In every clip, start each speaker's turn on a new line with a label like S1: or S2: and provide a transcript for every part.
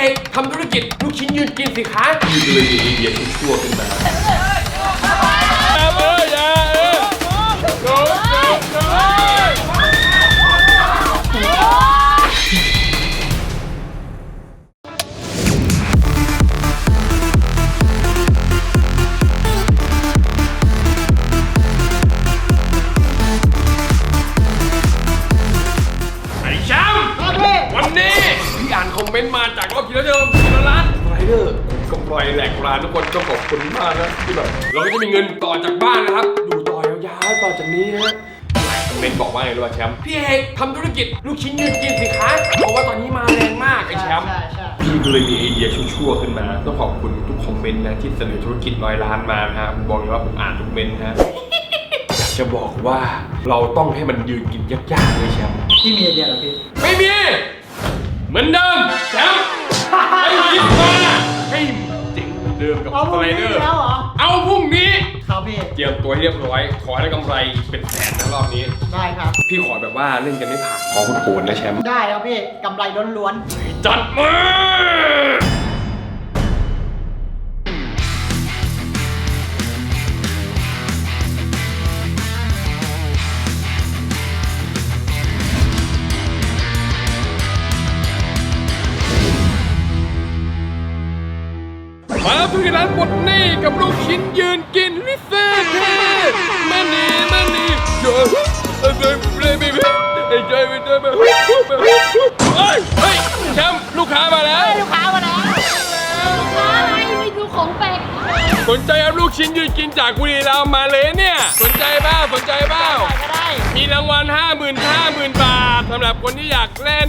S1: อกทำธุรกิจลูกชิ้นยืนกินสิคะพี่ก็เลยมีไอเดียชั่วๆขึ้นมาคอมเมนต์มาจากรอบที่แล้วร้านไรเดอร์กำไรแหลกร้านทุกคนต้องขอบคุณมากนะที่แบบเราก็จะมีเงินต่อจากบ้านนะครับอยู่ต่อยาวๆต่อจากนี้นะคอมเมนต์บอกว่าไงรู้ป่ะแชมป์พี่เอกทำธุรกิจลูกชิ้นยืนกินสิคะเพราะว่าตอนนี้มาแรงมากไอ้แชมป์พี่ก็เลยมีไอเดียชั่วๆขึ้นมาต้องขอบคุณทุกคอมเมนต์นะที่เสนอธุรกิจ100 ล้านมานะผมบอกเลยว่าผมอ่านทุกเมนต์นะอยากจะบอกว่าเราต้องให้มันยืนกินยากๆเลยแชมป์
S2: พี่มีไอเดียเหรอพี่
S1: ไม่มีเหมือนเดิมแชมป์ไม่คิดมาให้เจ๋งเหมือนเดิมกับสไลเดอร์เอาพรุ่งนี้
S2: ครับพี่
S1: เตรียมตัวให้เรียบร้อยขอให้ได้กำไรเป็นแสนนะรอบนี้
S2: ได้ครับ
S1: พี่ขอแบบว่าเล่นกันไม่ผ่านขอโหดๆนะแชมป์
S2: ได้ครับพี่กำไรล้วน
S1: ๆจัดมามาแล้วทุกร้านหมดนี่กับลูกชิ้นยืนกินวิเศษมันนี่เดี๋ยวไอ้ใจไม่ได้มาเฮ้ยแชมป์ลูกค้ามาแล้ว
S3: ลูกค้าอะไรไม่ดูของแปลก
S1: สนใจเอาลูกชิ้นยืนกินจากบุรีรัมย์มาเลยเนี่ยสนใจเปล่ามีรางวัล50,000 บาทสำหรับคนที่อยากเล่น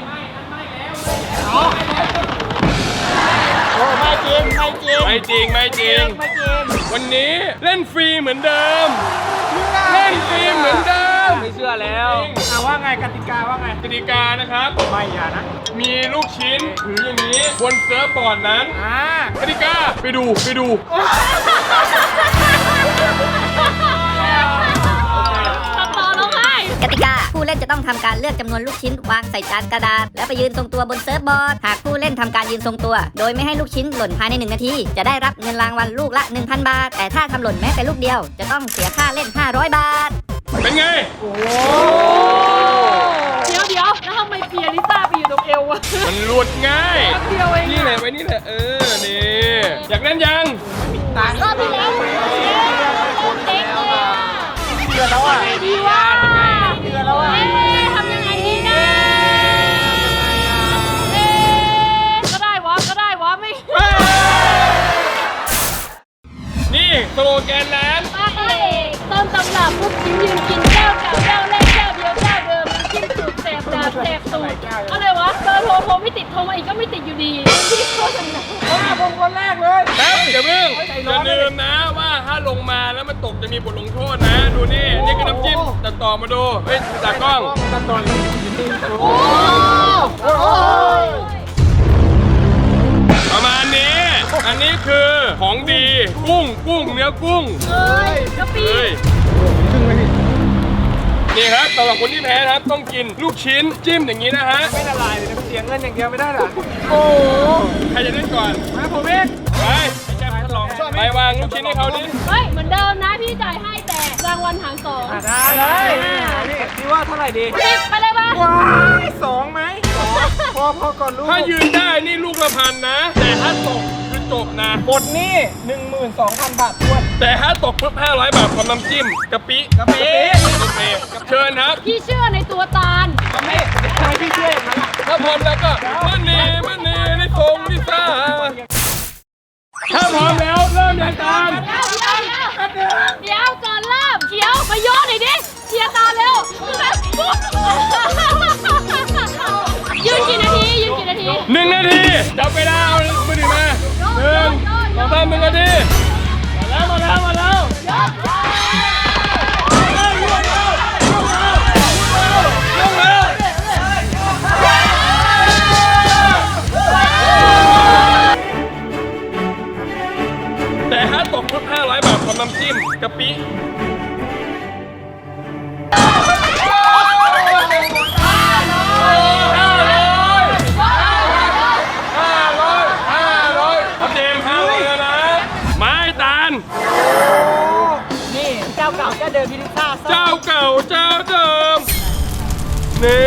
S2: ไม่จริง
S1: วันนี้เล่นฟรีเหมือนเดิมไม่เชื่อแล้ว
S2: ว่าไงกติกาว่าไง
S1: กติกานะครับ
S2: ไม่อย่านะ
S1: มีลูกชิ้นถืออย่างนี้บนเซิร์ฟบอร์ดนั้นกติกาไปดู
S3: กติกาผู้เล่นจะต้องทำการเลือกจำนวนลูกชิ้นวางใส่จานกระดาษแล้วไปยืนทรงตัวบนเซิร์ฟบอร์ดหากผู้เล่นทำการยืนทรงตัวโดยไม่ให้ลูกชิ้นหล่นภายใน1 นาทีจะได้รับเงินรางวัลลูกละ 1,000 บาทแต่ถ้าทำหล่นแม้แต่ลูกเดียวจะต้องเสียค่าเล่น500 บาท
S1: เป็นไง
S3: เดี๋ยวแล้วทำไมเปียริต้าไปอยู่ตรงเอวอะ
S1: มันหลุดง่ายนี่แหละนี่นี่อยากเล่นยัง
S3: ก็ไปแล้วเด็กเลย
S2: เดือดแล้วอ่ะ
S3: ดีว่าทำยังไงดีนะก็ได้วะไม่
S1: นี่สโลแกนร้าน
S3: ต้นตำรับลูกชิ้นยืนกินเจ้าเก่าเจ้าแรกเจ้าเดียวเจ้าเดิมกินสูตรแสบดาบแสบสูตรอะไรวะเบอร์โทรไม่ติดโทรมาอีกก็ไม่ติดอยู่ดีที่โฆษณา
S2: ผมคนแรกเลย
S1: อย่าเพิ่งอย่าลืมนะว่าถ้าลงมาแล้วมันตกจะมีบทลงโทษนะดูนี่คือน้ำจิ้มตัดต่อมาดูเฮ้ยจากกล้อง
S2: ตัดต่อ
S1: ประมาณนี้อันนี้คือของดีกุ้งเนื้อกุ้ง
S3: กะปิ
S1: นี่ครับสำหรับคนที่แพ้นะครับต้องกินลูกชิ้นจิ้มอย่างนี้นะฮะ
S2: ไม่ละลายเลยนะเสียเงินอย่างเดียวไม่ได้หรอ
S1: ใครจะเล่นก่อน
S2: มาผมเอง
S1: ไปวางลูกชิ้นให้เขาดิ
S3: เฮ้ยเหมือนเดิมนะพี่จ่ายให้แต่รางวัลหาร2
S2: ได้เลยพี่ว่าเท่าไหร่ดี
S3: 10ไปเลยป่ะ
S2: ว้าย2ไหมพอก่อนลูก
S1: ถ้ายืนได้นี่ลูกละ1,000นะแต่ถ้าตกคือจบนะ
S2: หมดนี่ 12,000 บาททวน
S1: แต่ถ้าตกปุ๊บ500 บาทพร้อมน้ำจิ้มกะปิเชิญครับ
S3: พี่เชื่อในตัวตาล
S2: ทำไมพี่เชื่ออย่างนั้น
S1: ถ้าพร้อมแล้วก็มันนี่ได้ทงลิซ่าถ้าพร้อมแล้วเริ่มยังตาม
S3: เดี๋ยวก่อนเริ่มเขียวมาโยนหน่อยดิเชียร์ตาเร็วยืนกี่นาที
S1: 1 นาทีจับเวลาเอามือถือมา1 2 3 1 นาทีมาแล้วแต่ถ้าตกปุ๊บ500 บาทพร้อมน้ำจิ้มกะปิ500 นี่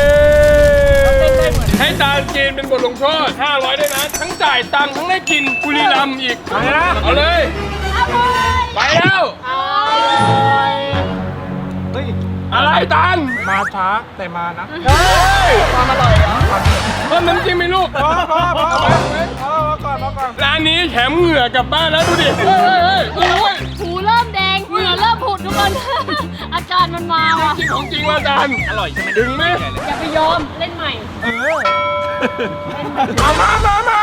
S1: ให้จานกินเป็นบทลงโทษ500ด้วยนะทั้งจ่ายตังค์ทั้งได้กินบุรีรัมย์อีกเอาเลยไปแล้ว
S2: เฮ้ย
S1: อะไรตัน
S2: มาช้าแต่มานะ
S1: เฮ้ยความอร่อยเหรอเพิ่มน้ำจิ้มไหมลูก
S2: พอก่อน
S1: ร้านนี้แถมเหงื่อกลับบ้านแล้วดูดิเฮ้ยโอ้ย
S4: หูเริ่มแดงเหงื่อเริ่มผุดทุกคน อาการมันมาว่ะ
S1: จริงของจริงว่าจานอร่อยใช่ไหมดึงไหม
S4: อย่าไปยอมเล่นใหม่
S1: มา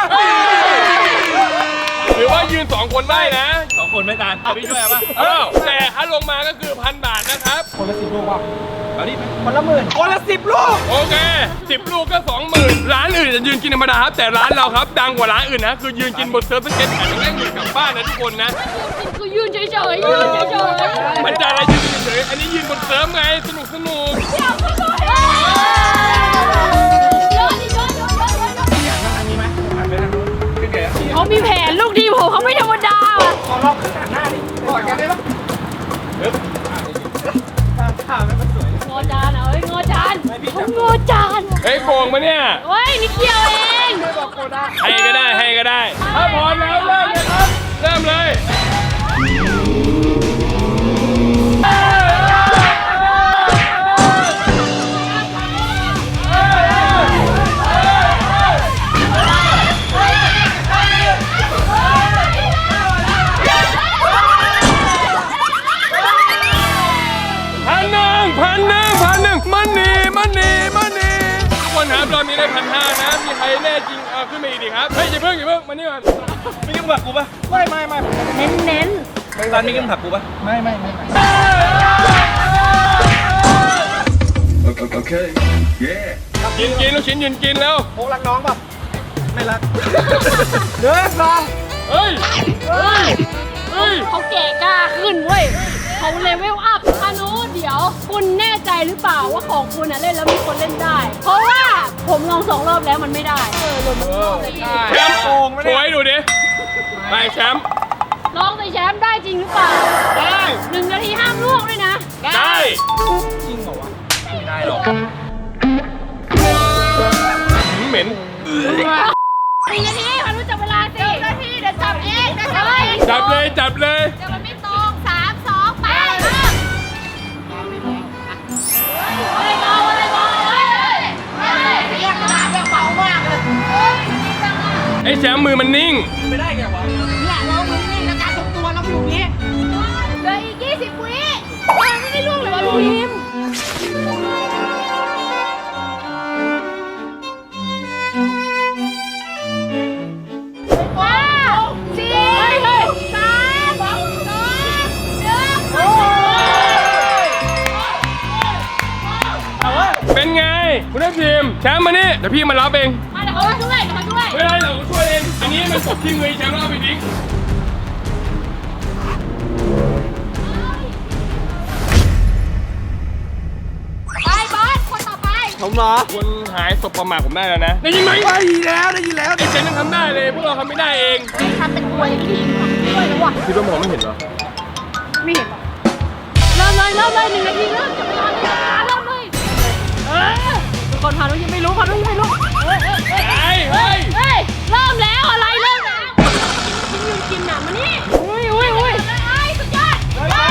S1: หรือว่ายืน2คนได้นะ2คนไม่ตานพี่ช่วยป่ะแต่ถ้าลงมาก็คือ1,000 บาทนะครับ
S2: คนละ10 ลูกว่ะเอาดิคนละ10,000คนละ10 ลูก
S1: โอเค10 ลูกก็ 20,000ร้านอื่นจะยืนกินธรรมดาครับแต่ร้านเราครับดังกว่าร้านอื่นนะคือยืนกินบนเซิร์ฟสเก็ตแข่งได้เงินกลับบ้านนะทุกคนนะ
S4: คือยืนเฉยๆยืนเฉยๆ
S1: มันจะอะไรยืนเฉยๆอันนี้ยืนบนเซิร์ฟไงสนุก
S4: เขามีแผนลูกทีมผมเขาไม่ธรรมดาว่ะ
S2: ขอลองขึ้นหน้าดิกอดกันได้ปะท่าไม่มันสวย
S4: งอจานเอ้ยงอจานเขางอจาน
S1: เฮ้ยโกงมาเนี่ย
S4: เฮ้ยนิดเดียวเอง
S1: ให้ก็ได้ถ้าพร้อมแล้วเริ่มเลยครับเริ่มเลย1,000มันนี่ทุกคนครับรอบนี้ได้1,500นะมีใครแน่จริงขึ้นมาอีกดิครับเฮ้ยอย่าเพิ่งมานี่ก่อน
S2: ไม่ยุ่งกับกูปะไม่
S4: เน้น
S2: ร้านไม่ยุ่งกับกูปะไม่
S5: Okay. Yeah.
S1: กินลูกชิ้นยืนกินแล้ว
S2: โอ้รักน้องปะไม่รักเด้อซอง
S1: เฮ้ย
S4: เขาแก่กล้าขึ้นเว้ยเขาเลเวลอัพพานุเดี๋ยวคุณแน่ใจหรือเปล่าว่าของคุณเล่นแล้วมีคนเล่นได้ เพราะว่าผมลอง2 รอบแล้วมันไม่ได้หล่นมา2 รอบเลยพี่
S1: แชมป์โกงโชว์ให้ดูดิไปแชมป์
S4: ลองใส่แชมป์ได้จริงหรือเปล่าได้1 นาทีห้ามลวกด้วยนะ
S1: ได้
S2: จริงเหรอวะ
S1: ไม่ได้หรอกเหม็น
S4: 1 นาทีพานุจับเวลาสิ1 นาทีเดี๋ยวจับเองจับเลย
S1: จับเลย
S4: เดี๋ยวมันไม่ตรง3 2ไปอะไรมองเรียกมาเรียกเบามากเลย
S1: ไอ้แชมป์มือมันนิ่ง
S2: ไม่ได้แกวะ
S4: เนี่ยเรามือนิ่งแล้วการทรงตัวเราอยู่อย่างนี้เหลืออีก20 วิมันไม่ได้ล่วงเลยวะพี่พิมว้าว4 3 2 1
S1: เป็นไงคุณได้ทีมแชมป์มานี่เดี๋ยวพี่มารับเอง
S4: มาเดี๋ยวเขาช่วย
S1: ไม่ได้เราช่วยเองอันนี้มันตกที่มือแชมป์แล้วเอาไปทิ้ง
S4: ไปบอสคนต่อไป
S2: ผมเหรอ
S1: คนหายศพประมาทผมได้แล้วนะได้ยินไหม
S2: ได้ยินแล้วไอ้
S1: เจนยังทำได้เลยพวกเราทำไม่ได้เอง
S4: ทำเป็นตัวอย่างนี้ด้วยนะวะ
S1: คิดว่าหมอไม่เห็นเหรอ
S4: ไม่เห็นหรอกเริ่มเลย1 นาทีเริ่มจะไม่รอเริ่มเลยทุกคนพานุยังไม่รู้เฮ้ยเริ่มแล้วอะไรเริ่มแล้วกินหนามานี่อุ้ยสุดยอดยก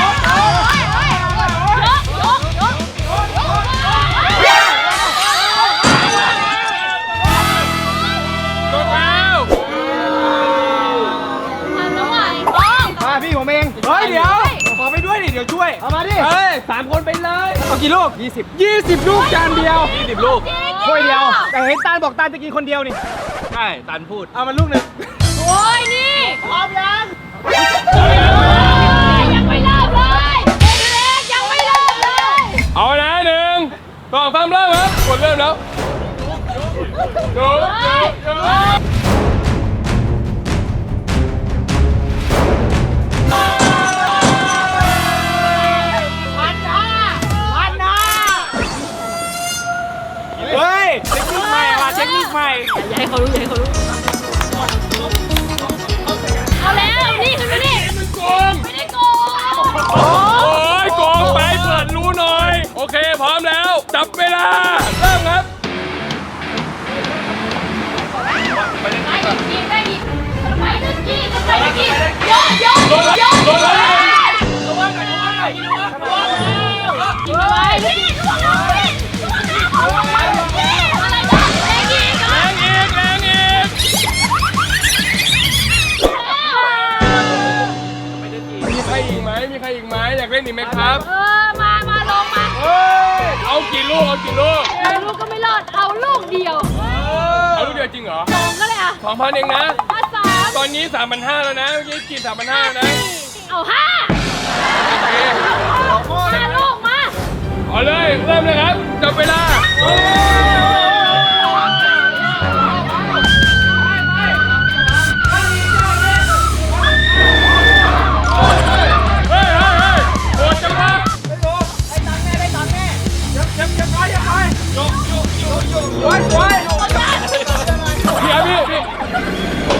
S1: ตกแล้ว
S4: ทำน้ำไหวต้อง
S2: มาพี่ผมเองเฮ้ยเดี๋ยวขอไปด้วยดิเดี๋ยวช่วยเอามาดิเฮ้ย3 คนไปเลยเอากี่ลูก20 ลูกจานเดียว20 ลูกถ้วยเดียวแต่เห็นตาลบอกตาลจะกินคนเดียวนี่ใช่ตาลพูดเอามาลูกหนึ่ง
S4: โอ้ยนี่พร้อมยังยังไม่เริ่มเลยยังไม่เริ่มเลย
S1: เอานะ1 2 3เริ่มครับกดเริ่มแล้วดู
S2: เฮ้ยเทคนิคใหม่ว่ะเทคนิคใหม่
S4: อย่าให้เขารู้เอาแล้วนี่คือนี่
S1: มันโกง
S4: ไม่ได้โกง
S1: โอ้ยโกงไปเปิดรู้หน่อยโอเคพร้อมแล้วจับเวลาไหมครับ
S4: มาลงมา
S1: เอากี่ลูกเอากี่ลูก
S4: ลูกก็ไม่รอดเอาลูกเดียว
S1: เอาลูกเดียวจริงเหรอ
S4: สองก็เลยอ่ะ
S1: 2,000เองนะ
S4: มาสาม
S1: ตอนนี้ 3,500แล้วนะเมื่อกี้กิน3,500แล้วนะ
S4: เอาห้า
S1: โอเค
S4: ห้าลูกมา
S1: เอาเลยเริ่มเลยครับจับเวลาเฮ้ยโอ้จังหวะพี่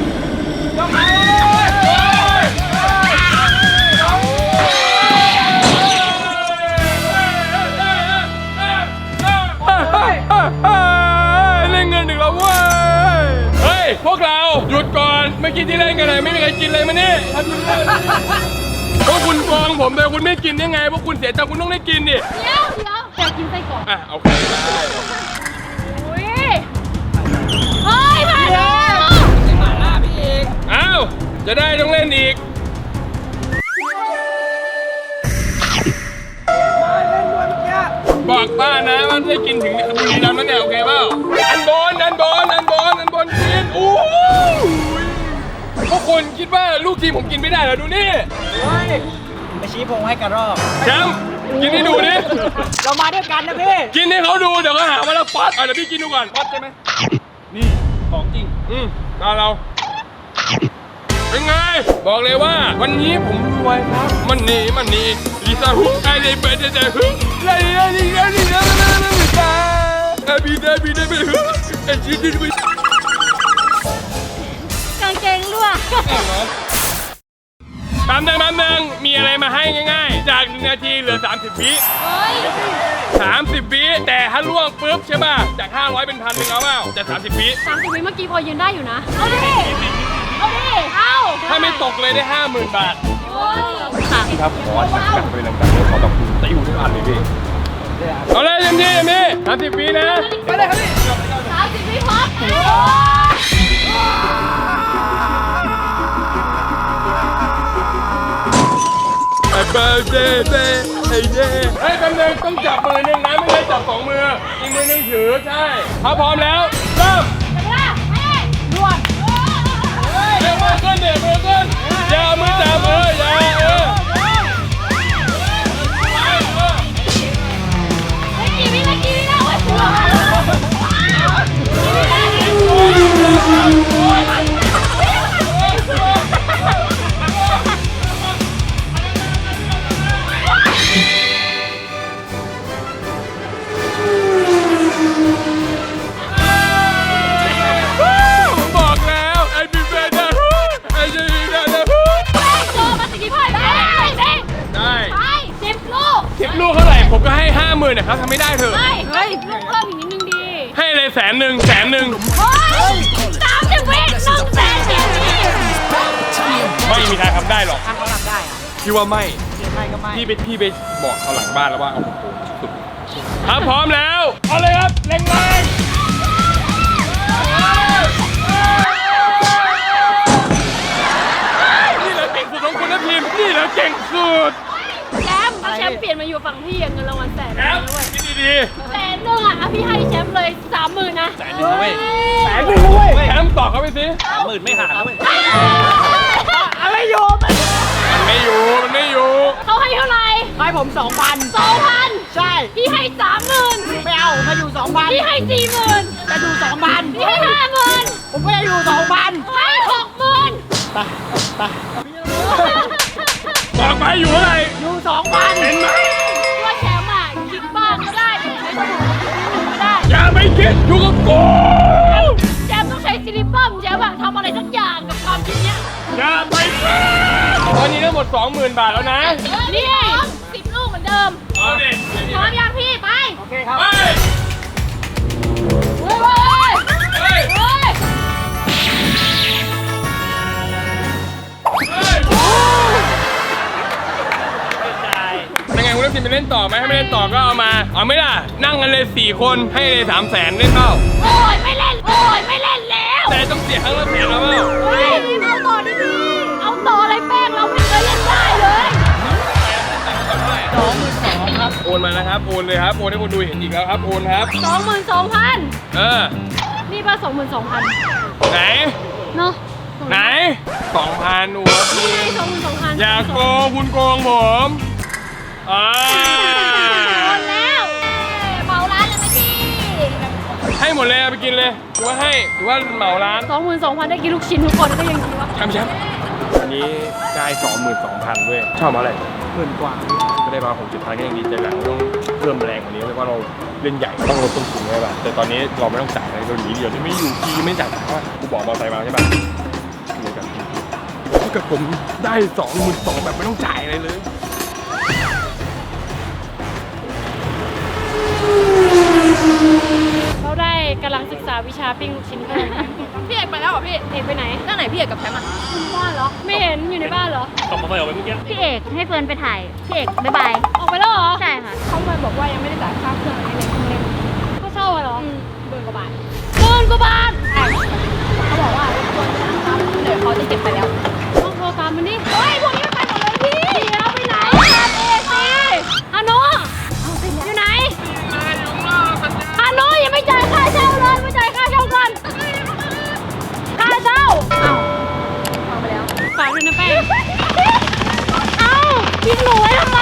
S1: เล่นเงินอีกแล้วเว้ยเฮ้ยพวกเราหยุดก่อนเมื่อกี้ที่เล่นกันเลยไม่มีใครกินเลยมานี่ทำยังไงพวกคุณฟ้องผมเลยคุณไม่กินยังไงพวกคุณเสียใจคุณต้องได้กินดิ
S4: เดี๋ยวอยากกินไส้กรอก
S1: อ่ะโอเคได้
S4: อุ้ยเฮ้ยมาแล้ว
S1: อ้าวจะได้ต้องเล่นอีกบอกป้านะว่าได้กินถึงบุรีรัมย์แล้วเนี่ยโอเคเปล่าอันบนกินอู้พวกคุณคิดว่าลูกทีมผมกินไม่ได้เหรอดูนี่
S2: ไปชี้พงให้กระรอก
S1: แชมป์กินให้ดูดิ
S2: เรามาด้วยกันนะพี่
S1: กินให้เขาดูเดี๋ยวเขาหาว่าเราป๊อตเดี๋ยวพี่กินดูก่อนป๊อตใช่ไหมนี่ของจริงตาเราเป็นไงบอกเลยว่าวันนี้ผมรวยครับมันนี่ลิซ่าฮุไอเดย์เบเดย์ฮุไอเดย์ฮุไอเดย์ฮุไอจีดีไป
S4: กางเกงรั่ว
S1: แป๊บนึงมีอะไรมาให้ง่ายๆจาก1 นาทีเหลือ30 วิ
S4: เฮ้ย
S1: 30 วิแต่ถ้าล่วงปุ๊บใช่ป่ะจาก500เป็น1,000เอาเปล่าแต่30 วิ
S4: 30 วิเมื่อกี้พอยืนได้อยู่นะ เอาดิ เอา
S1: ถ้าไม่ตกเลยได้ 50,000 บาท
S4: โอ้ยค่ะ
S1: ครับขอจัดไปเลยจัดเลยขอแบบตีอยู่ทุกอันเลยพี่เอาเลยเต็มที่30 วินะไปเลยครับพี่
S4: 30 วิพร้อม
S1: เบิร์ดเดย์เฮ้ยแป๊บนึงต้องจับมือนึงนะไม่ใช่จับ2 มืออีกมือนึงถือใช่ถ้าพร้อมแล้วเริ่ม
S4: เวลาเฮ้ย
S2: นวด
S1: เร็วมากขึ้นมือขึ้นอย่าเอามือจับอย่า
S4: ไม่กี่วินาทีแล้วเว้ย
S1: บอกแล้วไอ้บิ๊กเบย์นะไอ้เจนีนะ
S4: โจมาสกิพอยไปสิ
S1: ได้
S4: ไป10 ลูก
S1: 10 ลูกเท่าไหร่ผมก็ให้ 50,000นะครับทำไม่ได้เถอะ
S4: เฮ้ยลูกเพิ่มอีกนิดนึงดี
S1: ให้เลย100,000
S4: เฮ้ย30 วิ100,000
S1: ไม่มีทางทำได้หรอก
S2: ทำเขาทำได้อะ
S1: พี่ว่าไม่
S2: ไม่ก็ไม่
S1: พี่ไปบอกเขาหลังบ้านแล้วว่าเอาโอ้โหสุดครับพร้อมแล้วเอาเลยครับแรงนี่แหละเก่งสุดของคุณนะพิมนี่แหละเก่งสุด
S4: แชมป์ถ้าแชมป์เปลี่ยนมาอยู่ฝั่งพี่เงินรางวัล100,000
S1: แอป
S4: ด้วย
S1: คิดดี
S4: 100,000อ่ะพี่ให้แชมป์เลย30,000นะ
S2: 100,000นะเว้ย
S1: ๆแชมป์ตอบเขาไปสิ
S2: 30,000ไม่หาแล้วเว้ย
S4: อะไรโยม
S1: มันไม่อยู่
S4: เขาให้เท่าไหร่
S2: ให้ผม 2,000
S4: 2,000
S2: ใช่
S4: พี่ให้30,000
S2: ไม่เอามาอยู่ 2,000
S4: พี่ให้40,000
S2: จะอยู่ 2,000
S4: พี่ให้50,000
S2: ผมก็จะอยู่ 2,000
S4: ให้60,000
S2: ไปไป
S1: บอกไปอยู่เท่าไหร่
S2: อยู่ 2,000
S1: เห็นไหม
S4: ว่าแชมป์อ่ะคิดบ้างก็ได้แต่ใช้สมองคิดก็ได้
S1: อย่าไปคิดอยู่กับกู
S4: แชมป์ต้องใช้ซิลิปัมแชมป์อะทำอะไรสักอย่างกับความคิดเนี้ย
S1: อย่าไปคิดตอนนี้ทั้งหมด 20,000 บาทแล้วนะ
S4: นี่10 ลูกเหมือนเดิม
S1: เอาดิ
S4: พร้อมยังพี่ไป
S2: โอเคครับ
S1: ไป
S4: เฮ้ย
S1: เฮ้ย
S4: เฮ้ย
S1: ยังไงคุณทัพทิมไปเล่นต่อไหมถ้าไม่เล่นต่อก็เอามาเอาไม่ล่ะนั่งกันเลย4 คนให้เลย300,000เล่นเปล่า
S4: โอ้ยไม่เล่นแล้ว
S1: แต่ต้องเสียครั้งละ100,000แล้วเปล่า
S4: เฮ้ยเอาต่อดิพี่เอาต่ออะไรแป้งเราไม่เคยเล่นได้เลย
S1: เอนมานะครับโอนเลยครับโอนให้คนดูเห็นอีกแล้วครับโอนครับ
S4: 22,000 นี่ป่ะ22,000
S1: ไหน
S4: เนาะ
S1: ไหน2,000หนูพี่
S4: นี่22,000
S1: อย่าโกงคุณโกงผม
S4: โอนแล้วเหมาร้านเลยไหมพี่
S1: ให้หมดเลยเอาไปกินเลยหรือว่าให้หรือว่าเหมาร้าน
S4: 22,000 ได้กินลูกชิ้นทุกคนก็ยังดีวะ
S1: ครับพี่แชมป์อันนี้ได้22,000ด้วยชอบมาอะไร
S2: 10,000 กว่า
S1: ก็ได้มา6,700ก็ยังดีใจหลังต้องเพิ่มแรงกว่านี้เพราะว่าเราเล่นใหญ่ต้องลดต้นทุนไว้ป่ะแต่ตอนนี้เราไม่ต้องจ่ายอะไรเราหนีเดียวที่ไม่อยู่ทีไม่จ่ายเพราะว่ากูบอกมอไซค์มาใช่ป่ะเหมือนกับถ้าเกิดผมได้22,000แบบไม่ต้องจ่ายอะไรเลย
S4: เราได้กำลังศึกษาวิชาปิ้งลูกชิ้นกันพี่เอกไปแล้วเหรอพี่เอกไปไหนตั้งไหนพี่เอกกับแชมป์อ่ะบ้านเหรอไม่เห็นอยู่ในบ้านเหรอ
S1: ขับมอเตอร์ไซค์ออกไปเมื่อกี้
S5: พี่เอกให้เฟิร์นไปถ่าย พี่เอกบ๊ายบาย
S4: ออกไปแล้วเหรอ
S5: ใช่ค่ะ
S4: เขามาบอกว่ายังไม่ได้จ่ายค่าเครื่องอะไรเลยเล่นเขาเช่าเหรอ10,000 กว่าบาท10,000 กว่าบาทใช่เขาบอกว่าควรจะนะครับเดี๋ยวเขาจะเก็บไปแล้วต้องโทรตามมันดิเฮ้ยพวกนี้มันไปหมดเลยพี่เดี๋ยวไปไหนตามเอกสิฮานุอยู่ไหนฮานุยังไม่จ่ายค่าเช่าเลยไม่จ่ายค่าเช่าก่อนค่าเช่าเอ้าเอาไปแล้วฝากด้วยนะแป้งเอ้าทิ้งหนูไว้ทำไม